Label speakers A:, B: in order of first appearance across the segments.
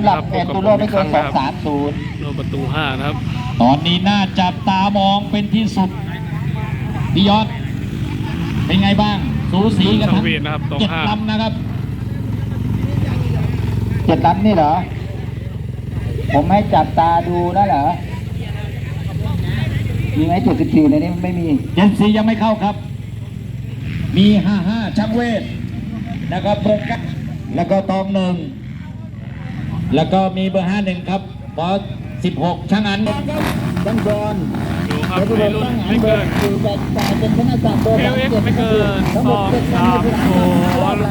A: หรับเอ็ดตูโรไม่เกิน230
B: โลประตู5นะครับ
C: ตอนนี้น่าจับตามองเป็นที่สุดพี่ยอดเป็นไงบ้างสูสีกันทั้ง7 ลำนะครับ
A: 7 ลำนี่เหรอผมให้จับตาดูนะเหรอมีไหม74ในนี้ไม่มี
C: 74ยังไม่เข้าครับมี55ช่างเวทนะครับเบอร์9แล้วก็ตอง1แล้วก็มีเบอร์51ครับบอส16ช่างอัน
A: ช่างบอล
B: ดูครับในรุ่นไม่เกิน
A: เป็นคณะจับเบอร์
B: 37ไม่เกิน230
A: อะไร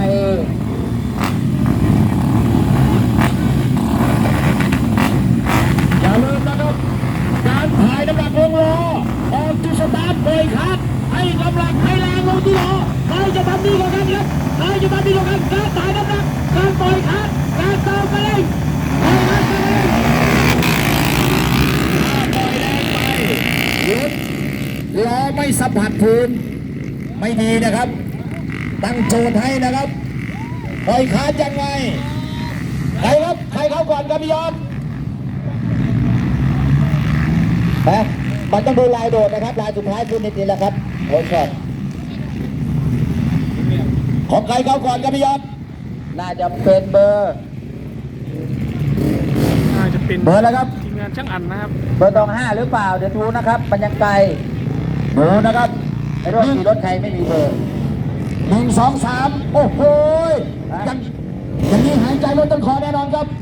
C: อย่าลืมนะครับการถ่ายน้ำหนักลงล้อออกจุดสตาร์ทเบรกคัดให้กำลังให้แรงลงที่ล้อใครจะทำดีกว่ากันครับใครจะทำดีกว่ากันการถ่ายน้ำหนักการปล่อยคัดการเติมกระเร่งปล่อยคัดกระเร่งปล่อยแรงไปหยุดล้อไม่สัมผัสพื้นไม่ดีนะครับตั้งโจทย์ให้นะครับปล่อยคัดยังไงใครครับใครเข้าก่อนครับพี่ยอด
A: มันต้องดูลายโดดนะครับลายสุดท้ายคือนี่แหละครับโอ้ยช็อต
C: ของใครเข้าก่อนครับพี่ยอด
A: น่าจะเป็นเบอร์
B: เบอร์
A: แล้วครับ
B: ทีมงานช่างอันนะครับ
A: เบอร์5หรือเปล่าเดี๋ยวดูนะครับมันยังไกล
C: ดูนะครับ
A: ไอ้รถขี่รถใครไม่มีเบอร์
C: 1 2 3โอ้โหอย่างนี้หายใจลดต้นคอแน่นอนครับ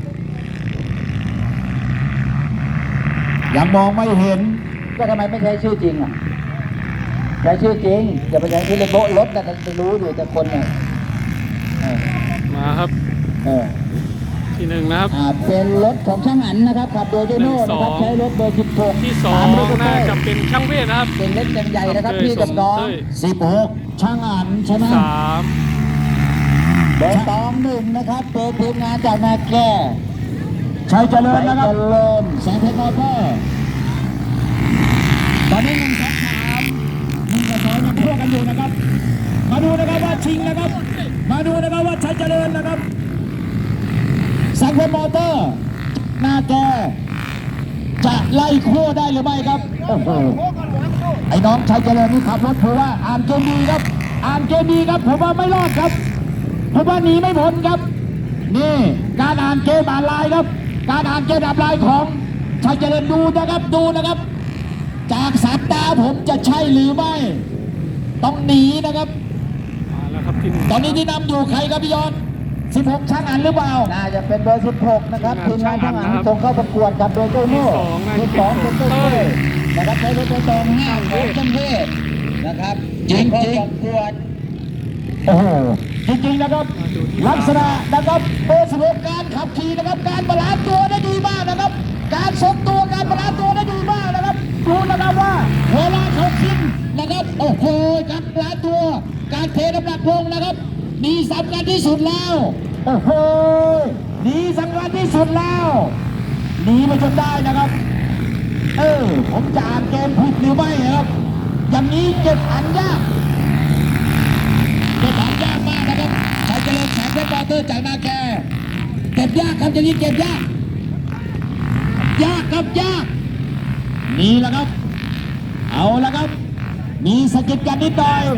C: ยังมองไม่เห็น
A: ก็ทำไมไม่ใช้ชื่อจริงอ่ะใช้ชื่อจริงอย่าไปใช้ชื่อเลยโบรถนะจะรู้อยู่แต่คนเนี่ย
B: มาครับที่1นะครับ
A: เป็นรถของช่างอันนะครับขับโดยโจโน่นะครับใช้รถเบอร์16
B: ที่2น่าจะเป็นช่างเวทนะครับ
A: เป็นเล็กใหญ่นะครับพี่กับน้อง
C: 16ช่างอันชนะ
A: เบอร์1นะครับเป็นทีมงานจากนาแก่
C: ชัยเจริญนะครับ
A: แสงเพชรมอเตอร์
C: ตอนนี้1 2 3 1 กับ 2ยังพวกกันอยู่นะครับมาดูนะครับว่าชิงนะครับมาดูนะครับว่าชัยเจริญนะครับแสงเพชรมอเตอร์หน้าแกจะไล่โค้ได้หรือไม่ครับโอ้โหไอ้น้องชัยเจริญนี่ขับรถผมว่าอ่านเกมดีครับอ่านเกมดีครับผมว่าไม่รอดครับผมว่าหนีไม่พ้นครับนี่การอ่านเกมอ่านลายครับการอ่านเกมอ่านลายของชัยเจริญดูนะครับจากสายตาผมจะใช่หรือไม่ต้องหนีนะครับตอนนี้ที่นำอยู่ใครครับพี่ยอด16ช่างอันหรือเปล่า
A: น่าจะเป็นเบอร์16นะครับทีมงานช่างอันส่งเข้าประกวดกับโดยโจโน่ที่2เป็นต้นเต้นะครับใช้รถตัว5ของจังเทพนะครับ
C: จริง
A: ประกวด
C: โอ้โหจริงๆนะครับลักษณะนะครับเบอร์16การขับขี่นะครับการบาลานซ์ตัวได้ดีมากนะครับการทรงตัวการบาลานซ์ตัวได้ดีมากนะครับดูนะครับว่าเวลาเขาขึ้นนะครับโอ้โหการบาลานซ์ตัวการเทน้ำหนักลงนะครับนี่สำคัญที่สุดแล้วโอ้โหนี่สำคัญที่สุดแล้วหนีมาจนได้นะครับผมจะอ่านเกมผิดหรือไม่ครับอย่างนี้เก็บอันยากเก็บอันยากมากนะครับใครจะเล่นแสงเพชรมอเตอร์จากนาแกเก็บยากครับอย่างนี้เก็บยากครับยากนี่แหละครับเอาละครับมีสกิดกันนิดหน่อย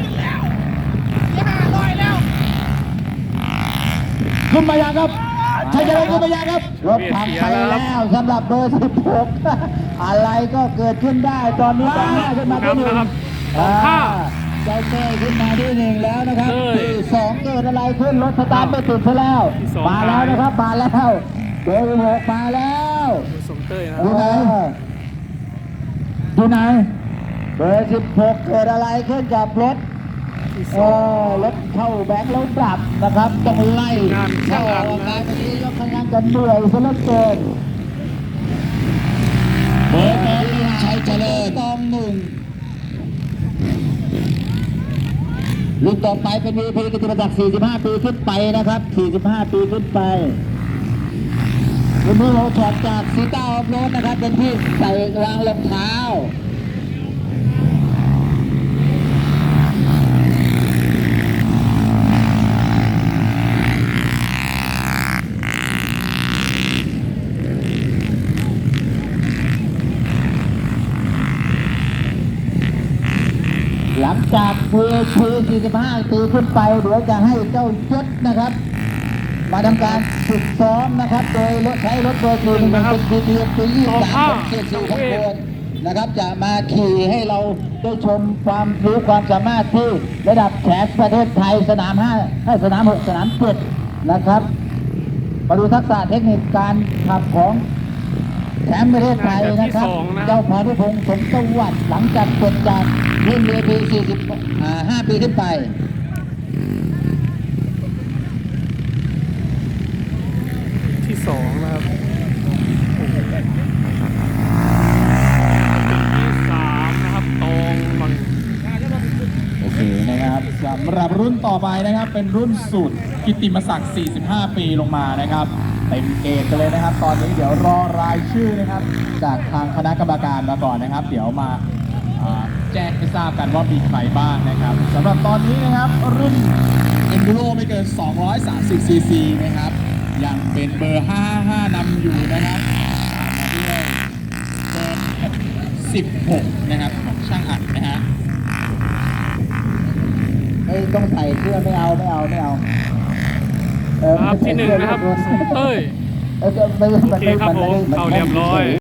C: ขึ้นมายังครับชัยเจริญขึ้นมายังครับ
A: รถทำไปแล้วสำหรับเบอร์16อะไรก็เกิดขึ้นได้ตอนนี้ขึ้นมาที่1เจ้าเต้ขึ้นมาที่1แล้วนะครับที่2เกิดอะไรขึ้นรถสตาร์ทไม่ติดซะแล้วมาแล้วนะครับมาแล้วเบอร์16มาแล้ว
C: ดูไหน
A: เบอร์16เกิดอะไรขึ้นกับรถรถเข้าแบงค์แล้วดับนะครับต้องไล่เข้าออกมาตอนนี้ยกขยันกันเหนื่อยซะเหลือเกิน
C: เบอร์1ชัยเจริญ
A: รุ่นต่อไปเป็นVPกิตติมศักดิ์45 ปีขึ้นไปนะครับ45 ปีขึ้นไปรุ่นนี้เราถอดจากซีต้าออฟโรดนะครับเป็นที่ใส่รางรองเท้างจาก VP 45 ปีขึ้นไปเดี๋ยวจะให้เจ้ายศนะครับ มาทำการฝึกซ้อมนะครับ โดยใช้รถเบอร์4 1เป็น BTP 23 4 4ของโคนนะครับ จะมาขี่ให้เราได้ชมความรู้ความสามารถที่ระดับแชมป์ประเทศไทยสนาม5ให้สนาม6สนาม7นะครับ มาดูทักษะเทคนิคการขับของแชมป์ประเทศไทยนะครับ เจ้าพานุพงศ์สมสวัสดิ์หลังจากเสร็จจากรุ่น VP 45 ปีขึ้นไป
B: ที่สองนะครับที่สามนะครับตองมัน
C: โอเคนะครับสำหรับรุ่นต่อไปนะครับเป็นรุ่นสุดกิตติมศักดิ์ 45 ปีลงมานะครับเต็มเกณฑ์กันเลยนะครับ ตอนนี้เดี๋ยวรอรายชื่อนะครับ จากทางคณะกรรมการมาก่อนนะครับ เดี๋ยวมาแจ้งให้ทราบกันว่ามีใครบ้างนะครับสำหรับตอนนี้นะครับรุ่น Enduro ไม่เกิน 230 ซีซีนะครับยังเป็นเบอร์ 55นำอยู่นะครับตามมาด้วยเบอร์16นะครับของช่างอัดนะฮะ
A: ไม่ต้องใส่เสื้อไม่เอา
B: ครับที่หนึ่งนะครับเต้ย
A: ไม่
B: โอเคครับผมเอาเรียบร้อย